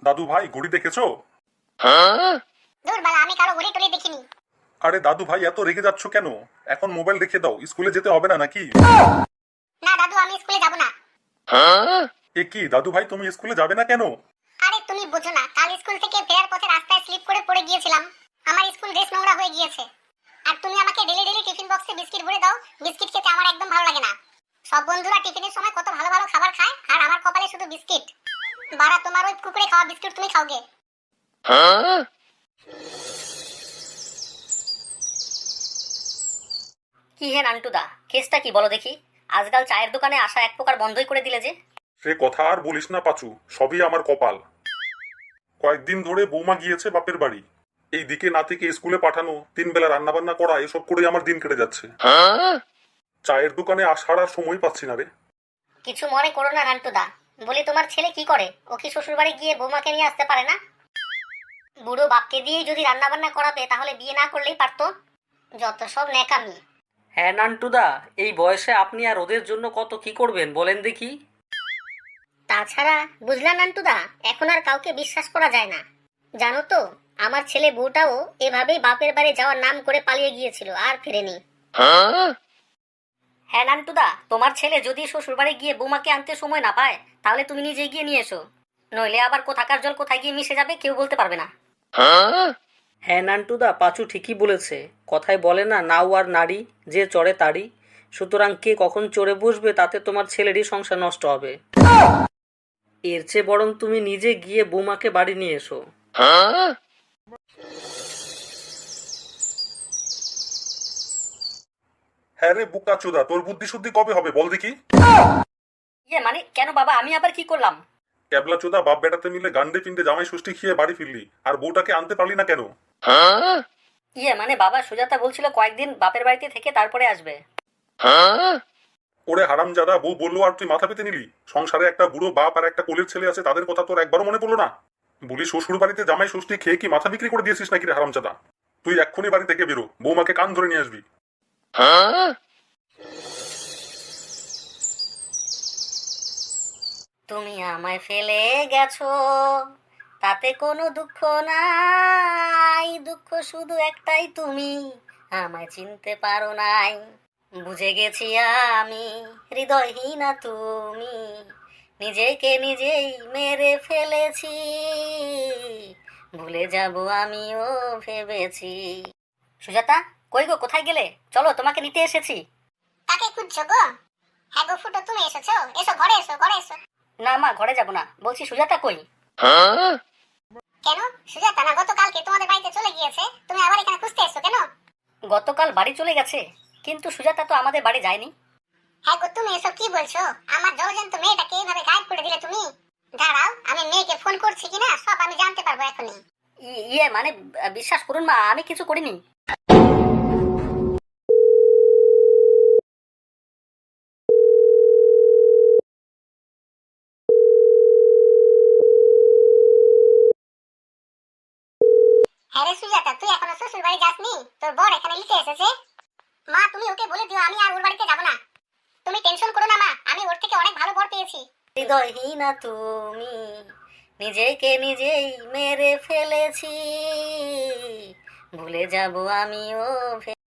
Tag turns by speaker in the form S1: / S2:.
S1: দাদু ভাই ঘড়ি দেখেছো?
S2: দূর বালা, আমি কারো ঘড়ি টড়ি দেখিনি।
S1: আরে দাদু ভাই এত রেগে যাচ্ছ কেন? এখন মোবাইল রেখে দাও, স্কুলে যেতে হবে না নাকি?
S2: না দাদু, আমি স্কুলে যাব না।
S1: এ কি দাদু ভাই, তুমি স্কুলে যাবে না কেন?
S2: আরে তুমি বোঝো না, কাল স্কুল থেকে ফেরার পথে রাস্তায় স্লিপ করে পড়ে গিয়েছিলাম। আমার স্কুল ড্রেস নোংরা হয়ে গিয়েছে। আর তুমি আমাকে ডেলি ডেলি টিফিন বক্সে বিস্কিট ভরে দাও। বিস্কিট খেতে আমার একদম ভালো লাগে না। সব বন্ধুরা টিফিনের সময় কত ভালো ভালো খাবার খায়, আর আমার কপালে শুধু বিস্কিট। বাড়া, তোমার ওই কুকুরে খাওয়া বিস্কিট তুমি খাওগে।
S3: কি হে নান্টুদা, কেসটা কি বলো দেখি? আজকাল চায়ের দোকানে আসা এক প্রকার বন্ধই করে দিলে যে।
S1: সে কথা আর বলিস না পাচু, সবই আমার কপাল। কয়েকদিন ধরে বৌমা গিয়েছে বাপের বাড়ি। এই দিকে নাতিকে স্কুলে পাঠানো, 3 বেলা রান্না বান্না করা, এসব করেই আমার দিন কেটে যাচ্ছে। চায়ের দোকানে আসার আর সময় পাচ্ছি না রে।
S3: কিছু মনে করো না নান্টুদা, বলি তোমার ছেলে কি করে? ও কি শ্বশুর বাড়ি গিয়ে বৌমাকে নিয়ে আসতে পারে না? বুড়ো বাপকে দিয়েই যদি রান্না বান্না করাতে তাহলে বিয়ে না করলেই পারতো। যত সব ন্যাকামি।
S4: হ্যাঁ নান্টুদা, এই বয়সে আপনি আর ওদের জন্য কত কি করবেন বলেন দেখি।
S3: তাছাড়া বুঝলা নান্টুদা, এখন আর কাউকে বিশ্বাস করা যায় না। জানো তো, আমার ছেলে বউটাও এভাবেই বাপের বাড়ি যাওয়ার নাম করে পালিয়ে গিয়েছিল, আর ফিরেনি। হ্যাঁ নান্টুদা, তোমার ছেলে যদি শ্বশুর বাড়ি গিয়ে বৌমাকে আনতে সময় না পায়, তাহলে তুমি নিজে গিয়ে নিয়ে এসো। নইলে আবার কোথাকার জল কোথায় গিয়ে মিশে যাবে কেউ বলতে পারবে না।
S4: হ্যাঁ নান্টুদা, পাঁচু ঠিকই বলেছে। কথায় বলে না, নাও আর নারী যে চড়ে তারই। সুতরাং কে কখন চড়ে বসবে তাতে তোমার ছেলেরই সংসার নষ্ট হবে। এর চেয়ে বরং তুমি নিজে গিয়ে বৌমাকে বাড়ি নিয়ে এসো।
S1: হ্যাঁ রে বুকা চোদা, তোর বুদ্ধি শুদ্ধি কবে হবে বল দেখি?
S3: মানে কেন বাবা, আমি আবার কি করলাম?
S1: ক্যাবলা চোদা, বাপ বেটাতে মিলে গান্ডে পিন্ডে জামাই ষষ্ঠী খেয়ে বাড়ি ফিরলি, আর বউটাকে আনতে পারলি না কেন?
S3: মানে বাবা, সুজাতা বলছিল কয়েকদিন বাপের বাড়িতে থেকে তারপরে আসবে।
S1: ওরে হারামজাদা, বউ বললো আর তুই মাথা পেতে নিলি? সংসারে একটা বুড়ো বাপ আর একটা কোলের ছেলে আছে, তাদের কথা তোর একবারও মনে পড়লো না? বলি শ্বশুর বাড়িতে জামাই ষষ্ঠী খেয়ে কি মাথা বিক্রি করে দিয়েছিস নাকি রে হারামজাদা? তুই এক্ষুনি বাড়ি থেকে বেরো, বৌমাকে কান ধরে নিয়ে আসবি।
S3: তুমি আমায় ফেলে গেছো, তাতে কোনো দুঃখ নাই। দুঃখ শুধু একটাই, তুমি আমায় চিনতে পারো নাই। বুঝে গেছি আমি, হৃদয়হীনা তুমি, নিজেকে নিজেই মেরে ফেলেছি। ভুলে যাব আমিও ভেবেছি। সুজাতা, কই গো, কোথায় গেলে? চলো, তোমাকে নিতে এসেছি।
S2: কাকে খুঁজছো গো? হ্যাঁ গো ফুটো, তুমি এসেছো? এসো ঘরে, এসো ঘরে এসো।
S3: না মা, ঘরে যাব না, বলছি সুজাতা কই?
S2: কেন? সুজাতা না গতকালকে তোমাদের বাড়িতে চলে গিয়েছে, তুমি আবার এখানে খুঁজতে এসো কেন?
S3: গতকাল বাড়ি চলে গেছে, কিন্তু সুজাতা তো আমাদের বাড়ি যায়নি।
S2: হ্যাঁ গো, তুমি এসব কি বলছো? আমার জলজন্ত মেয়েটাকে এইভাবে গায়েব করে দিলে তুমি? দাঁড়াও, আমি মেয়েকে ফোন করছি কিনা সব আমি জানতে পারবো এখনই।
S3: মানে বিশ্বাস করুন মা, আমি কিছু করিনি।
S2: হ্যাঁ রে সুজাতা, তুই এখনো শ্বশুর বাড়ি যাসনি? তোর বর এখানে লিখে এসেছে। মা তুমি ওকে বলে দিও আমি আর ওর বাড়িতে যাবো না। তুমি টেনশন করো না মা, আমি ওর থেকে অনেক ভালো বর পেয়েছি।
S3: হৃদয়হীনা তুমি, নিজেকে নিজেই মেরে ফেলেছি। ভুলে যাব আমিও